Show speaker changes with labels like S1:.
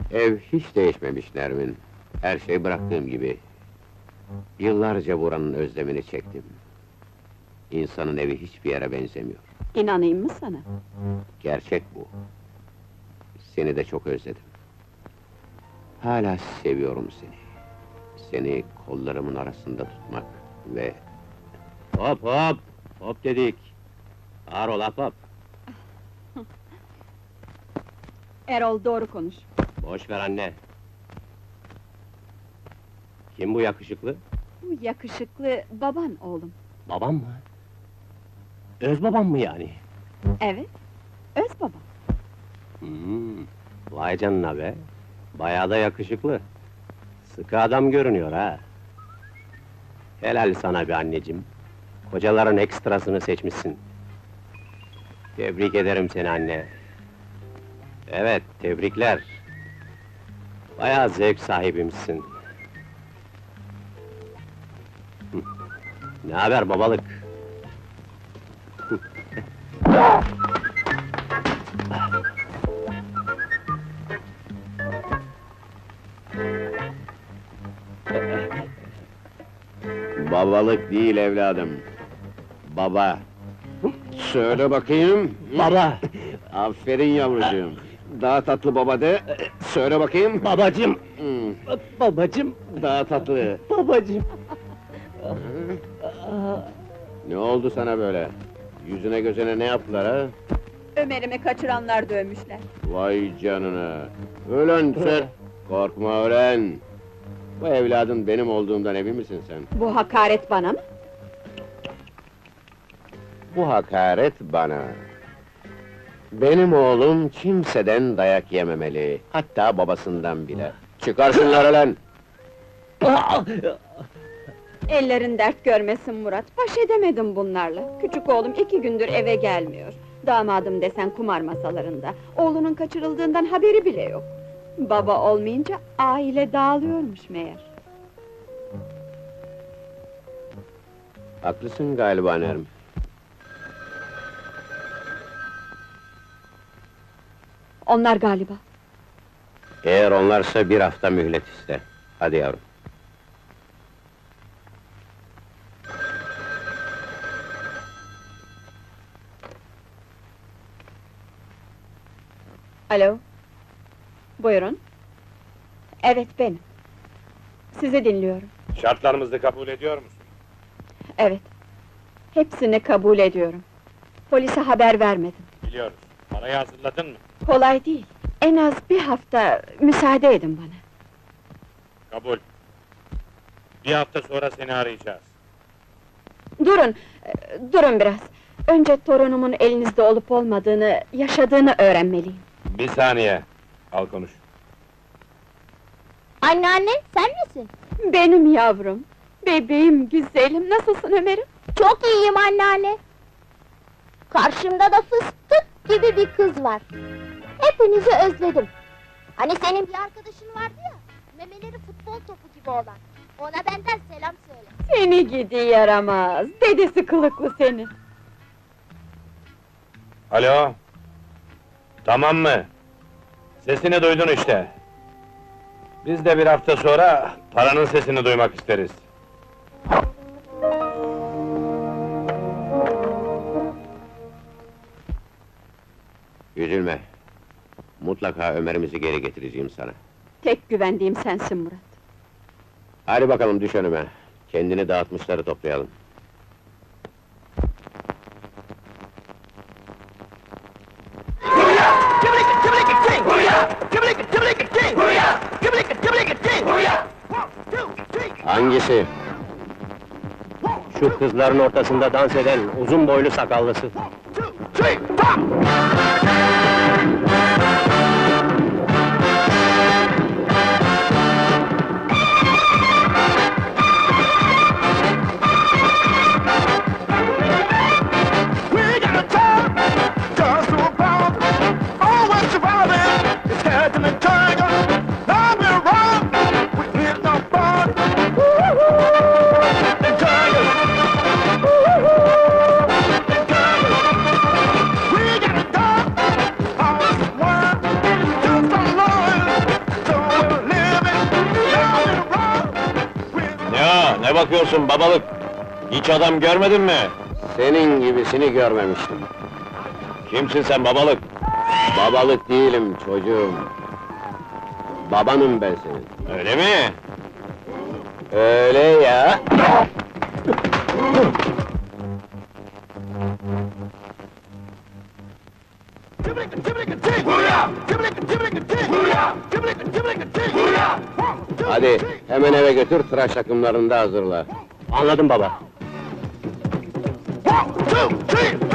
S1: Ev hiç değişmemiş Nermin. Her şey bıraktığım gibi. Yıllarca buranın özlemini çektim. İnsanın evi hiçbir yere benzemiyor.
S2: İnanayım mı sana?
S1: Gerçek bu. Seni de çok özledim. Hala seviyorum seni. Seni kollarımın arasında tutmak ve... Hop hop! Hop dedik! Ağır ol hop!
S2: Erol, doğru konuş.
S1: Boş ver anne! Kim bu yakışıklı?
S2: Bu yakışıklı baban oğlum.
S1: Babam mı? Öz babam mı yani?
S2: Evet, öz baba.
S1: Vay canına be! Bayağı da yakışıklı. Sıkı adam görünüyor ha! Helal sana be anneciğim! Kocaların ekstrasını seçmişsin. Tebrik ederim seni anne! Evet, tebrikler! Bayağı zevk sahibimsin. Ne haber babalık? Babalık değil evladım. Baba. Söyle bakayım.
S3: Baba!
S1: Aferin yavrucuğum. Daha tatlı baba de. Söyle bakayım.
S3: Babacım!
S1: Hmm,
S3: Babacım!
S1: daha tatlı.
S3: Babacım!
S1: Ne oldu sana böyle? Yüzüne gözüne ne yaptılar ha?
S2: Ömer'imi kaçıranlar dövmüşler.
S1: Vay canına! Ölen sen! Korkma ölen! Bu evladın benim olduğumdan emin misin sen?
S2: Bu hakaret bana mı?
S1: Bu hakaret bana. Benim oğlum kimseden dayak yememeli, hatta babasından bile. Çıkar şunları lan!
S2: Ellerin dert görmesin Murat, baş edemedim bunlarla. Küçük oğlum 2 gündür eve gelmiyor. Damadım desen kumar masalarında. Oğlunun kaçırıldığından haberi bile yok. Baba olmayınca aile dağılıyormuş meğer.
S1: Haklısın galiba Nermin.
S2: Onlar galiba.
S1: Eğer onlarsa bir hafta mühlet iste. Hadi yavrum.
S2: Alo? Buyurun. Evet, benim. Sizi dinliyorum.
S4: Şartlarımızı kabul ediyor musun?
S2: Evet. Hepsini kabul ediyorum. Polise haber vermedim.
S4: Biliyoruz. Parayı hazırladın mı?
S2: Kolay değil. En az bir hafta müsaade edin bana.
S4: Kabul. Bir hafta sonra seni arayacağız.
S2: Durun, durun biraz. Önce torunumun elinizde olup olmadığını, yaşadığını öğrenmeliyim.
S4: Bir saniye. Al konuş.
S5: Anneanne, sen misin?
S2: Benim yavrum, bebeğim, güzelim, nasılsın Ömer'im?
S5: Çok iyiyim anneanne. Karşımda da fıstık gibi bir kız var. Hepinizi özledim. Hani senin bir arkadaşın vardı ya, memeleri futbol topu gibi olan. Ona benden selam söyle.
S2: Seni gidi yaramaz, dedesi kılıklı seni.
S4: Alo? Tamam mı? Sesini duydun işte. Biz de bir hafta sonra paranın sesini duymak isteriz.
S1: Üzülme. Mutlaka Ömer'imizi geri getireceğim sana.
S2: Tek güvendiğim sensin Murat.
S1: Hadi bakalım düş önüme. Kendini dağıtmışları toplayalım. Hangisi? Şu kızların ortasında dans eden uzun boylu sakallısı.
S4: Ne bakıyorsun babalık? Hiç adam görmedin mi?
S1: Senin gibisini görmemiştim.
S4: Kimsin sen babalık?
S1: Babalık değilim çocuğum. Babanım ben senin.
S4: Öyle mi?
S1: Öyle ya. Hadi hemen eve götür, tıraş takımlarını da hazırla.
S4: Anladım baba.
S3: 1, 2, 3.